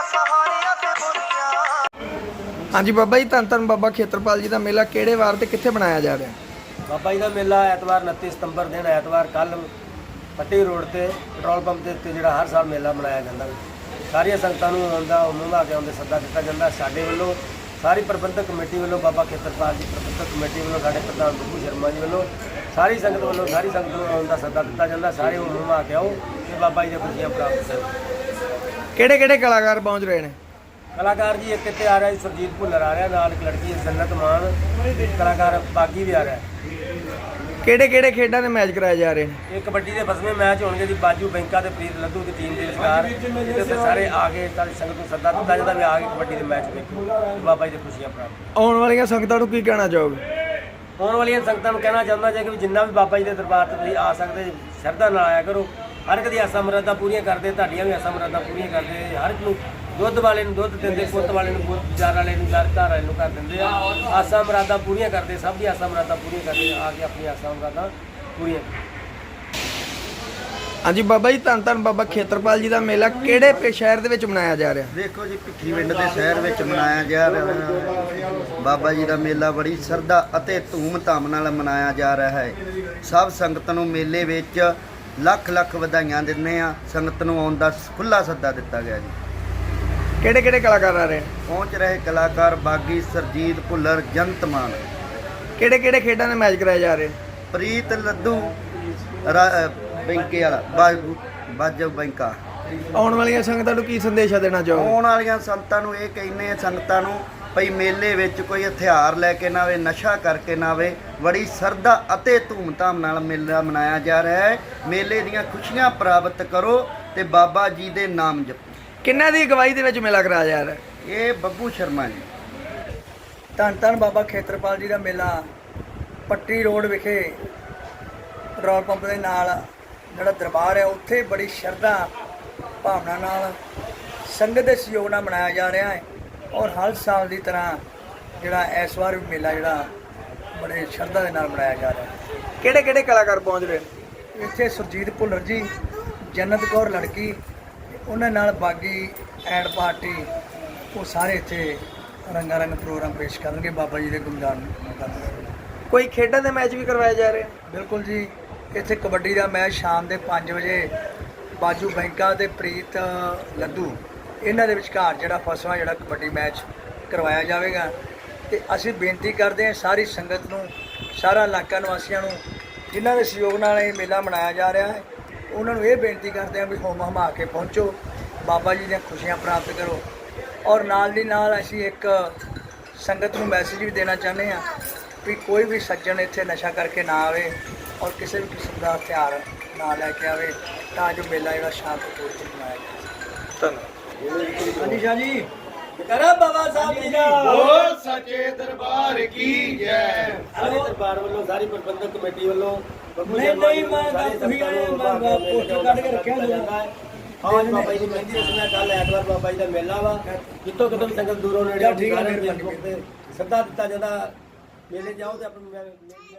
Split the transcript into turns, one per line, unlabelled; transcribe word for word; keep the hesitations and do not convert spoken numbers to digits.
हाँ जी बाबा जी, धन धन बाबा खेतरपाल जी का मेला किहड़े वार ते कित्थे मनाया जा रहा है?
बाबा जी का मेला ऐतवार उनतीस सितंबर दिन ऐतवार कल पट्टी रोड से पेट्रोल पंप के उत्ते जिहड़ा हर साल मेला मनाया जाता है। सारिया संगतां नूं आउंदा उन्हां के आउंदे सद्दा दिता जाता। साडे वल्लों सारी प्रबंधक कमेटी वालों बाबा खेतरपाल जी प्रबंधक कमेटी वालों साडे प्रधान बब्बू शर्मा जी वालों सारी संगत वालों सारी संगत नूं आउण दा सद्दा दिता जाता। सारे उन्हां के आओ ते बाबा जी दी खुशियां प्राप्त करो।
किहड़े किहड़े कलाकार पहुंच रहे हैं?
कलाकार जी एक इत्थे आ रहा है सुरजीत भुल्लर आ रहा, नाल एक लड़की है जन्नत मान, कलाकार बागी भी आ रहा है।
किहड़े किहड़े खेडां दे मैच कराए जा रहे हैं?
ये कबड्डी के फसवें मैच होंगे जी बाजू बैंका ते प्रीत लद्दू की टीम के विचकार जिहदे सारे आके सारी संगत नूं सद्दा दिता जाता भी आके कबड्डी के मैच देखो बाबा जी दी खुशियां प्राप्त।
आउण वालियां संगतां नूं की कहना चाहोगे?
आने वाली संगतां नूं कहना चाहुंदा जे कि जिन्ना भी बाबा जी के दरबार ते तुसीं आ सकदे शरधा नाल आया करो। हर एक दी आसां मुरादां पूरीआं करदे, तुहाडीआं भी आसां मुरादां पूरीआं करदे। हर एक नूं दुੱਧ वाले ਨੂੰ ਦੁੱਧ ਦਿੰਦੇ, ਪੁੱਤ ਵਾਲੇ ਨੂੰ ਪੁੱਤ, ਚਾਰ ਵਾਲੇ ਨੂੰ ਚਾਰ, ਘਰ ਵਾਲੇ ਨੂੰ ਘਰ ਦਿੰਦੇ ਆ। ਆਸਾਂ ਮੁਰਾਦਾਂ ਪੂਰੀਆਂ ਕਰਦੇ, ਸਭ ਦੀ ਆਸਾਂ ਮੁਰਾਦਾਂ ਪੂਰੀਆਂ ਕਰਦੇ ਆ ਕੇ ਆਪਣੀ ਆਸਾਂ ਮੁਰਾਦਾਂ ਪੂਰੀਆਂ।
ਹਾਂਜੀ ਬਾਬਾ ਜੀ, ਧੰਨ ਧੰਨ ਬਾਬਾ ਖੇਤਰਪਾਲ ਜੀ ਦਾ ਮੇਲਾ ਕਿਹੜੇ ਸ਼ਹਿਰ ਦੇ ਵਿੱਚ ਮਨਾਇਆ ਜਾ ਰਿਹਾ?
ਦੇਖੋ ਜੀ, ਭਿੱਖੀਵਿੰਡ ਦੇ ਸ਼ਹਿਰ ਵਿੱਚ ਮਨਾਇਆ ਜਾ ਰਿਹਾ ਬਾਬਾ ਜੀ ਦਾ ਮੇਲਾ ਬੜੀ ਸ਼ਰਧਾ ਅਤੇ ਧੂਮ-ਧਾਮ ਨਾਲ ਮਨਾਇਆ ਜਾ ਰਿਹਾ ਹੈ। ਸਭ ਸੰਗਤ ਨੂੰ ਮੇਲੇ ਵਿੱਚ ਲੱਖ ਲੱਖ ਵਧਾਈਆਂ ਦਿੰਦੇ ਆ। ਸੰਗਤ ਨੂੰ ਆਉਣ ਦਾ ਖੁੱਲ੍ਹਾ ਸੱਦਾ ਦਿੱਤਾ ਗਿਆ ਜੀ।
ਕਿਹੜੇ ਕਿਹੜੇ ਕਲਾਕਾਰ ਆ ਰਹੇ?
ਪਹੁੰਚ ਰਹੇ ਕਲਾਕਾਰ ਬਾਗੀ, ਸਰਜੀਤ ਭੁੱਲਰ, ਜੰਤ ਮਾਨ।
ਕਿਹੜੇ ਕਿਹੜੇ ਖੇਡਾਂ ਦੇ ਮੈਚ ਕਰਾਏ ਜਾ ਰਹੇ?
ਪ੍ਰੀਤ ਲੱਦੂ ਬੈਂਕੇ ਵਾਲਾ ਬਾਜੂ ਬਾਜੂ ਬੈਂਕਾ।
ਆਉਣ ਵਾਲੀਆਂ ਸੰਗਤਾਂ ਨੂੰ ਕੀ ਸੰਦੇਸ਼ਾ ਦੇਣਾ ਚਾਹੋਗੇ?
ਆਉਣ ਵਾਲੀਆਂ ਸੰਗਤਾਂ ਨੂੰ ਇਹ ਕਹਿੰਦੇ ਆ ਸੰਗਤਾਂ ਨੂੰ ਭਈ ਮੇਲੇ ਵਿੱਚ ਕੋਈ ਹਥਿਆਰ ਲੈ ਕੇ ਨਾ ਆਵੇ, ਨਸ਼ਾ ਕਰਕੇ ਨਾ ਆਵੇ। ਬੜੀ ਸ਼ਰਧਾ ਅਤੇ ਧੂਮ-ਧਾਮ ਨਾਲ ਮੇਲਾ ਮਨਾਇਆ ਜਾ ਰਿਹਾ ਹੈ। ਮੇਲੇ ਦੀਆਂ ਖੁਸ਼ੀਆਂ ਪ੍ਰਾਪਤ ਕਰੋ ਤੇ ਬਾਬਾ ਜੀ ਦੇ ਨਾਮ ਜਪੋ।
ਕਿੰਨਾਂ ਦੀ ਅਗਵਾਈ ਦੇ ਵਿੱਚ ਮੇਲਾ ਕਰਾਇਆ ਜਾ ਰਿਹਾ?
ਇਹ ਬੱਬੂ ਸ਼ਰਮਾ ਜੀ।
ਧੰਨ ਧੰਨ ਬਾਬਾ ਖੇਤਰਪਾਲ ਜੀ ਦਾ ਮੇਲਾ ਪੱਟੀ ਰੋਡ ਵਿਖੇ ਪੈਟਰੋਲ ਪੰਪ ਦੇ ਨਾਲ ਜਿਹੜਾ ਦਰਬਾਰ ਹੈ ਉੱਥੇ ਬੜੀ ਸ਼ਰਧਾ ਭਾਵਨਾ ਨਾਲ ਸੰਗਤ ਦੇ ਸਹਿਯੋਗ ਨਾਲ ਮਨਾਇਆ ਜਾ ਰਿਹਾ ਹੈ। ਔਰ ਹਰ ਸਾਲ ਦੀ ਤਰ੍ਹਾਂ ਜਿਹੜਾ ਇਸ ਵਾਰ ਵੀ ਮੇਲਾ ਜਿਹੜਾ ਬੜੇ ਸ਼ਰਧਾ ਦੇ ਨਾਲ ਮਨਾਇਆ ਜਾ ਰਿਹਾ ਹੈ। ਕਿਹੜੇ ਕਿਹੜੇ ਕਲਾਕਾਰ ਪਹੁੰਚ ਰਹੇ? ਇੱਥੇ ਸੁਰਜੀਤ ਭੁੱਲਰ ਜੀ, ਜੰਨਤ ਕੌਰ ਲੜਕੀ, ਉਹਨਾਂ ਨਾਲ ਬਾਗੀ ਐਂਡ ਪਾਰਟੀ, ਉਹ ਸਾਰੇ ਇੱਥੇ ਰੰਗਾ ਰੰਗ ਪ੍ਰੋਗਰਾਮ ਪੇਸ਼ ਕਰਨਗੇ, ਬਾਬਾ ਜੀ ਦੇ ਗੁਣਗਾਨ ਕਰਨਗੇ। ਕੋਈ ਖੇਡਾਂ ਦੇ ਮੈਚ ਵੀ ਕਰਵਾਏ ਜਾ ਰਹੇ? ਬਿਲਕੁਲ ਜੀ, ਇੱਥੇ ਕਬੱਡੀ ਦਾ ਮੈਚ ਸ਼ਾਮ ਦੇ ਪੰਜ ਵਜੇ ਬਾਜੂ ਬੈਂਕਾ ਤੇ ਪ੍ਰੀਤ ਲੱਦੂ ਇਹਨਾਂ ਦੇ ਵਿਚਕਾਰ ਜਿਹੜਾ ਫਸਵਾਂ ਜਿਹੜਾ ਕਬੱਡੀ ਮੈਚ ਕਰਵਾਇਆ ਜਾਵੇਗਾ। ਤੇ ਅਸੀਂ ਬੇਨਤੀ ਕਰਦੇ ਹਾਂ ਸਾਰੀ ਸੰਗਤ ਨੂੰ, ਸਾਰਾ ਇਲਾਕਾ ਨਿਵਾਸੀਆਂ ਨੂੰ ਜਿਨ੍ਹਾਂ ਦੇ ਸਹਿਯੋਗ ਨਾਲ ਇਹ ਮੇਲਾ ਮਨਾਇਆ ਜਾ ਰਿਹਾ ਹੈ, ਉਹਨਾਂ ਨੂੰ ਇਹ ਬੇਨਤੀ ਕਰਦੇ ਹਾਂ ਵੀ ਹੋਮ ਹਮਾ ਕੇ ਪਹੁੰਚੋ, ਬਾਬਾ ਜੀ ਦੀਆਂ ਖੁਸ਼ੀਆਂ ਪ੍ਰਾਪਤ ਕਰੋ। ਔਰ ਨਾਲ ਦੀ ਨਾਲ ਅਸੀਂ ਇੱਕ ਸੰਗਤ ਨੂੰ ਮੈਸੇਜ ਵੀ ਦੇਣਾ ਚਾਹੁੰਦੇ ਹਾਂ ਵੀ ਕੋਈ ਵੀ ਸੱਜਣ ਇੱਥੇ ਨਸ਼ਾ ਕਰਕੇ ਨਾ ਆਵੇ ਔਰ ਕਿਸੇ ਵੀ ਕਿਸਮ ਦਾ ਹਥਿਆਰ ਨਾ ਲੈ ਕੇ ਆਵੇ, ਤਾਂ ਜੋ ਮੇਲਾ ਜਿਹੜਾ ਸ਼ਾਂਤਪੂਰਵਕ ਮਨਾਇਆ ਜਾ ਸਕੇ। ਧੰਨਵਾਦ। ਹਾਂਜੀ ਸ਼ਾਹ ਜੀ, ਕਰਾ ਬਾਬਾ ਸਾਹਿਬ ਜੀ ਦਾ ਬੋਲ
ਸੱਚੇ ਦਰਬਾਰ ਕੀ ਜੈ।
ਸਾਰੇ ਦਰਬਾਰ ਵੱਲੋਂ ਸਾਰੀ ਪ੍ਰਬੰਧਕ ਕਮੇਟੀ ਵੱਲੋਂ
ਨਹੀਂ ਨਹੀਂ ਮੈਂ ਤੁਸੀਂ ਪੋਸਟਰ ਕੱਢ ਕੇ ਰੱਖਿਆ ਜਾਂਦਾ ਹੈ।
ਹਾਂ ਜੀ, ਬਾਬਾ ਜੀ ਦੀ ਮਹਿੰਦੀ ਰਸਮ ਕੱਲ ਐਤਵਾਰ ਬਾਬਾ ਜੀ ਦਾ ਮੇਲਾ ਵਾ। ਜਿੱਥੋਂ ਕਿਤੋਂ ਸੰਗਤ ਦੂਰੋਂ ਨੇੜੇ
ਠੀਕ ਹੈ,
ਸੱਦਾ ਦਿੱਤਾ ਜਾਂਦਾ। ਮੇਲੇ ਜਾਓ ਤੇ ਆਪਣੀ